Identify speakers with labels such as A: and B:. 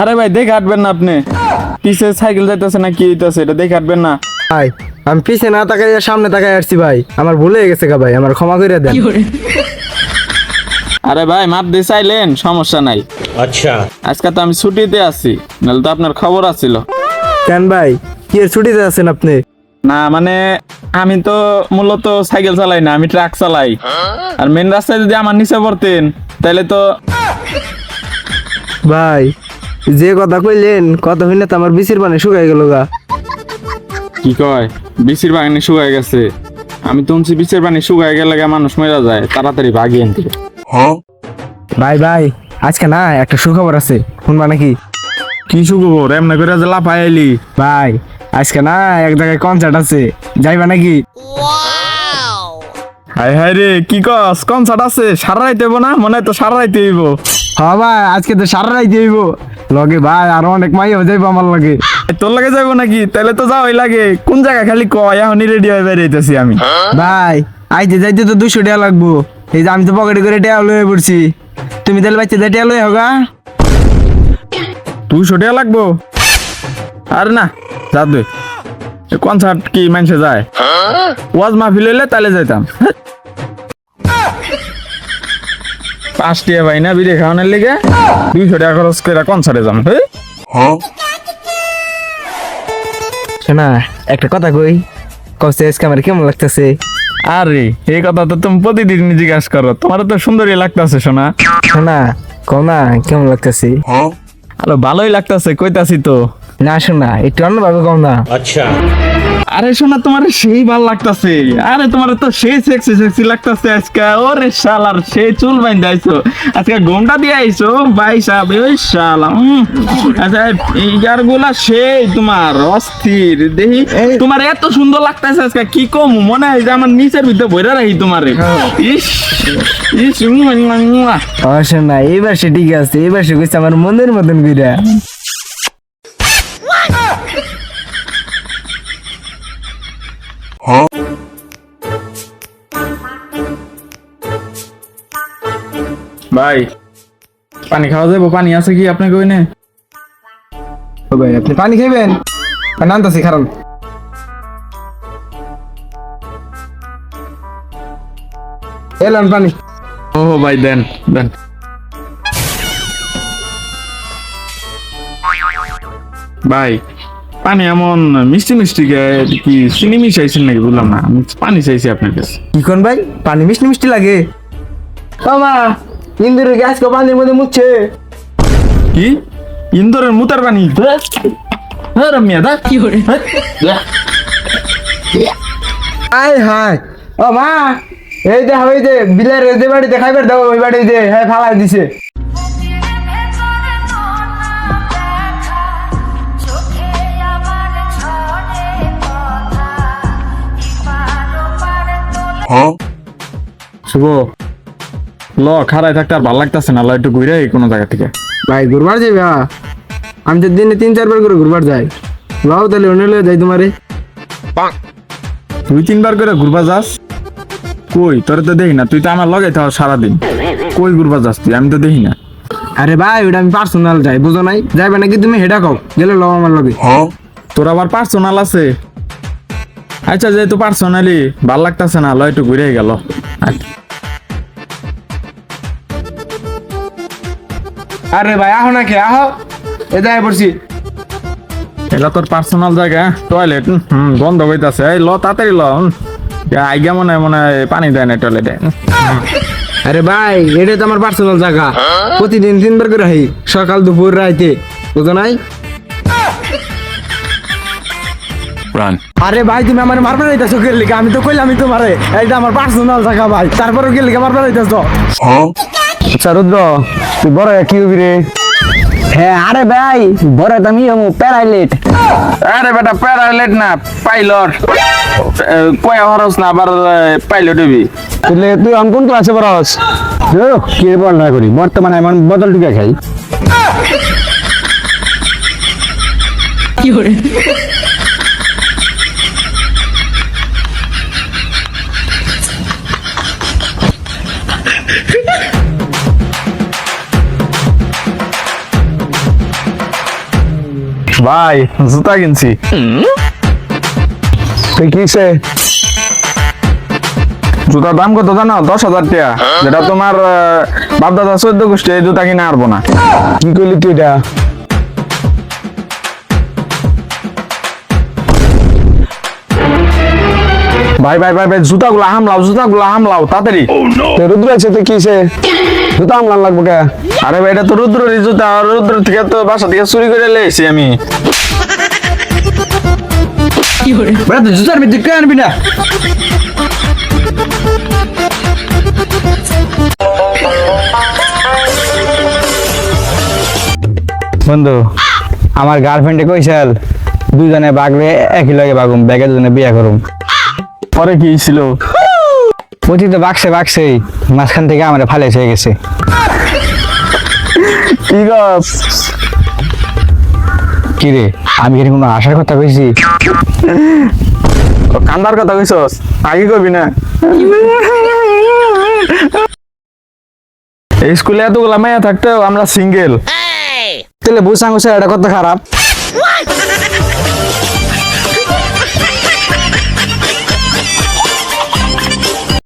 A: আরে ভাই দেখে হাঁটবেন না আপনি, পিছে সাইকেল যাইতেছে না কি হইতেছে এটা দেখে হাঁটবেন না।
B: ভাই আমি পিছে না তাকাই সামনে তাকাই আসছি ভাই, আমার ভুলে গেছে গা ভাই, আমার ক্ষমা করে দেন।
A: আরে ভাই মাপ দিয়ে চাইলেন সমস্যা নাই।
C: আচ্ছা
A: আজকে তো আমি ছুটিতে আছি, নাহলে তো আপনার খবর আছিল।
B: কেন ভাই কি এর ছুটিতে আছেন আপনি?
A: না মানে আমি তো মূলত সাইকেল চালাই না, আমি ট্রাক চালাই। আর মেন রাস্তায় যদি আমার নিচে পড়তেন তাহলে তো।
B: ভাই যে কথা কইলেন কথা হইলে তো আমার বিচির পানি শুকাই গেল গা।
A: কি কয় বিচির বাগানে শুকায় গেছে? আমি তো শুনছি বিচের পানি শুকায় গেলে মানুষ মরে যায়, তাড়াতাড়ি ভাগি আনতে।
B: ভাই ভাই আজকে না একটা সুখবর আছে, শুনবা নাকি?
A: কি সুখবর? এমনি করে যে লাফাই আইলি?
B: ভাই আজকে না এক জায়গায় কনসার্ট আছে, যাইবা নাকি?
A: হাই হাই রে, কি কস? কনসার্ট আছে? সারা রাইতে হইব না? মনে হয় তো সারা রাইতে হইব।
B: হ্যাঁ ভাই আজকে তো সারা রাইতে হইব লগে ভাই, আরো অনেক মাইও যাইবো আমার লগে।
A: তোর লাগে যাইব নাকি? তাহলে তো যাওয়াই লাগে। কোন জায়গা খালি কয়, এখনই রেডি হয়ে বেরিয়েছি আমি।
B: ভাই আইতে যাইতে তো 200 টাকা লাগবো, এই যে আমি তো পকেটে করে টাকা লয়ে পড়ছি, তুমি তাহলে বাচ্চা টাকা লয়ে হোগা।
A: 200 টাকা লাগবো? আরে না যা দে, কনসার্ট কি মানুষে যায়? ওয়াজ মাহফিল হইলে তাহলে যাইতাম। 5 টাকা ভাই না বিড়ি খাওয়ানোর লিগে 200 টাকা খরচ করে কনসার্টে যাম।
B: শোনা একটা কথা কই, কষ্ট আজকে আমার কেমন লাগতেছে?
A: আরে এই কথা তো তুমি প্রতিদিন জিজ্ঞাসা করো, তোমার তো সুন্দরই লাগতেছে শোনা।
B: শোনা কও না কেমন লাগতেছে?
A: আরে ভালোই লাগতেছে কইতাছি তো।
B: না শোনা একটু অন্যভাবে কও না।
C: अच्छा
A: আরে শোনা তোমার সেই ভালো লাগতাছে, আরে তোমার তো সেই সেক্সি সেক্সি লাগতাছে আজকে। ওরে শালার সেই চুল বাইন্ধা আইছো আজকে, ঘোমটা দিয়ে আইছো ভাই সাহেব। ওই শালা আচ্ছা ইয়ার গুলা সেই তোমার অস্থির দেখি। তোমার এত সুন্দর লাগতাছে আজকে কি কম, মনে হয় যে আমার নিচের ভিতরে বইরা রাখি তোমারে। ইস ইস
B: ও শোনা এইবার সে ঠিক আছে, এইবার সে কইছে আমার মনের মতন কইরা।
A: ভাই পানি খাওয়া যাবো? পানি আছে কি আপনাকে? ওই নে
B: ও ভাই আপনি পানি খাইবেন? নামতাছি কারণ এলাম পানি।
A: ও ভাই দেন দেন। ভাই পানি এমন মিষ্টি মিষ্টি কি চিনি মিশাইছেন নাকি বুঝলাম না, আমি পানি চাইছি আপনার কাছে।
B: কি কোন ভাই পানি মিষ্টি মিষ্টি লাগে? মামা ইন্দুরের গ্যাস কো পানির মধ্যে মুছছে।
A: কি ইন্দোরের মুতার পানি? রমিয়া দা কি করে?
B: আয় হায় ও মা, এই যে ওই যে বিলের যে বাড়িতে খাইবার দাও ওই বাড়ি যে হ্যাঁ ফালাই দিছে।
A: শুভ ল খারাই থাকতে আর ভালো লাগতেছে না, ল একটু ঘুরে কোনো জায়গা থেকে।
B: ভাই ঘুরবার যাইবা? আমি তো দিনে 3-4 বার করে ঘুরবার যাই। লাও তাহলে অন্য লয়ে যাই তোমারে।
A: 2-3 বার করে ঘুরবা যাস? কই তোর তো দেখি না, তুই তো আমার লগে থাও সারাদিন। কই ঘুরবা যাস তুই? আমি তো দেখি না।
B: আরে ভাই ওটা আমি পার্সোনাল যাই, বুঝো নাই? যাইবা নাকি তুমি হেডা কও, গেলে লও আমার লগে।
A: তোর আবার পার্সোনাল আছে? আচ্ছা যেহেতু পার্সোনালি ভাল লাগতেছে না, ল একটু ঘুরে গেল।
B: আরে ভাই আহো নাকি আহো, এ যাই পড়ছি।
A: এটা তোর পার্সোনাল জায়গা, টয়লেট বন্ধ হইতাছে। এই ল তাড়াতাড়ি ল, আইগা মনে হয় পানি দেয় না টয়লেটে।
B: আরে ভাই এটা তো আমার পার্সোনাল জায়গা, প্রতিদিন 3 বার করে হই, সকাল দুপুর রাইতে, বুঝো নাই? আরে ভাই তুমি আমার মারবার যাইতাছো কে লিগা? আমি তো কইলামই তোমারে এইটা আমার পার্সোনাল জায়গা ভাই, তারপরে কে লিগা মারবার যাইতাছো? আচ্ছা রুদ্র তুই বড় কি হবি রে? হ্যাঁ আরে ভাই বড় তুমি প্যারাইলেট।
A: আরে বেটা প্যারাইলেট না, পাইলট। কয়া হরস না আবার পাইলট হবি?
B: তুই কোন ক্লাসে পড়াস? কি পড়াশোনা করি বর্তমানে এমন বদল টুকে খাই।
D: কি করে?
A: ভাই জুতা কিনছি।
B: তুই কিসে?
A: জুতার দাম কত জানো? 10,000 টাকা। যেটা তোমার বাপদাদা 14 গোষ্ঠী এই জুতা কিনে আরবো না।
B: কি করলি তুই এটা?
A: ভাই ভাই ভাই ভাই জুতাগুলো হামলাও তাড়াতাড়ি।
B: রুদ্র আছে তো কিসে? জুতা আমলান লাগবো কে?
A: আরে ভাই এটা তো রুদ্রের জুতা, আর রুদ্র থেকে তো বাসা থেকে চুরি করে লেছি আমি।
B: বেটা তুই জুতার ভিতরে কে আনবি না? বন্ধু, আমার গার্লফ্রেন্ডে কইছিল দুজনে বাগলে একই লগে বাগুম, ব্যাগে দুজনে বিয়া করুম।
A: পরে কি ছিল?
B: পতি তো বাগছেই মাঝখান থেকে আমার ফালে হয়ে গেছে।
A: কি গস?
B: কি রে, আমি কি কোনো আশার কথা কইছি?
A: কান্দার কথা কইছস, আগে কইবি না। এই স্কুলে এতগুলা মেয়ে থাকতেও আমরা সিঙ্গেল।
B: তাহলে বুঝাঙ্গ এটা কত খারাপ।